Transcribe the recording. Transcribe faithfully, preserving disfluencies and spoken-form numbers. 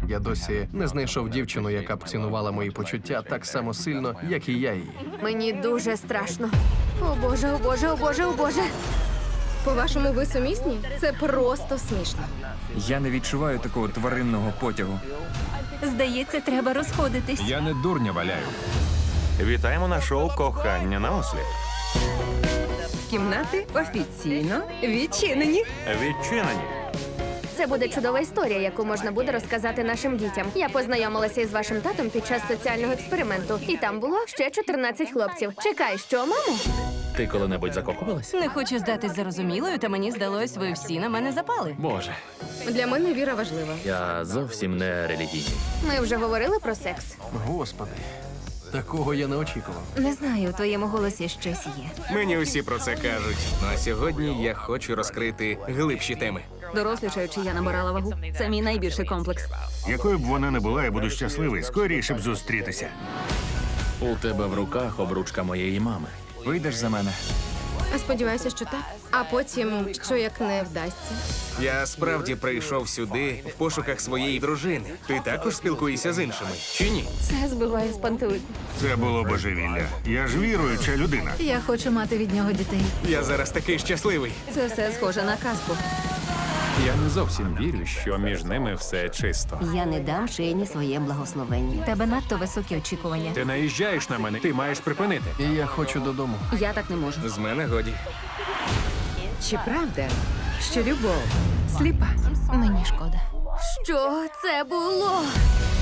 Я досі не знайшов дівчину, яка б цінувала мої почуття так само сильно, як і я її. Мені дуже страшно. О боже, о боже, о боже, о боже. По-вашому, ви сумісні? Це просто смішно. Я не відчуваю такого тваринного потягу. Здається, треба розходитись. Я не дурня валяю. Вітаємо на шоу «Кохання на осліп». Кімнати офіційно відчинені. Відчинені. Це буде чудова історія, яку можна буде розказати нашим дітям. Я познайомилася із вашим татом під час соціального експерименту, і там було ще чотирнадцять хлопців. Чекай, що, мамо? Ти коли-небудь закохувалась? Не хочу здатись зарозумілою, та мені здалось, ви всі на мене запали. Боже, Для мене віра важлива. я зовсім не релігійний. Ми вже говорили про секс. Господи, такого я не очікував. Не знаю, у твоєму голосі щось є. Мені усі про це кажуть. Ну а сьогодні я хочу розкрити глибші теми. Дорослішаючи, я набирала вагу. Це мій найбільший комплекс. Якою б вона не була, я буду щасливий, скоріше б зустрітися. У тебе в руках обручка моєї мами. Вийдеш за мене? Сподіваюся, що так. А потім, що як не вдасться. Я справді прийшов сюди в пошуках своєї дружини. Ти також спілкуєшся з іншими, чи ні? Це збиває з пантелику. Це було божевілля. Я ж віруюча людина. Я хочу мати від нього дітей. Я зараз такий щасливий. Це все схоже на казку. Я не зовсім вірю, що між ними все чисто. Я не дам Шейні своє благословення. Тебе надто високі очікування. Ти наїжджаєш на мене, ти маєш припинити. І я хочу додому. Я так не можу. З мене годі. Чи правда, що любов сліпа? Мені шкода. Що це було?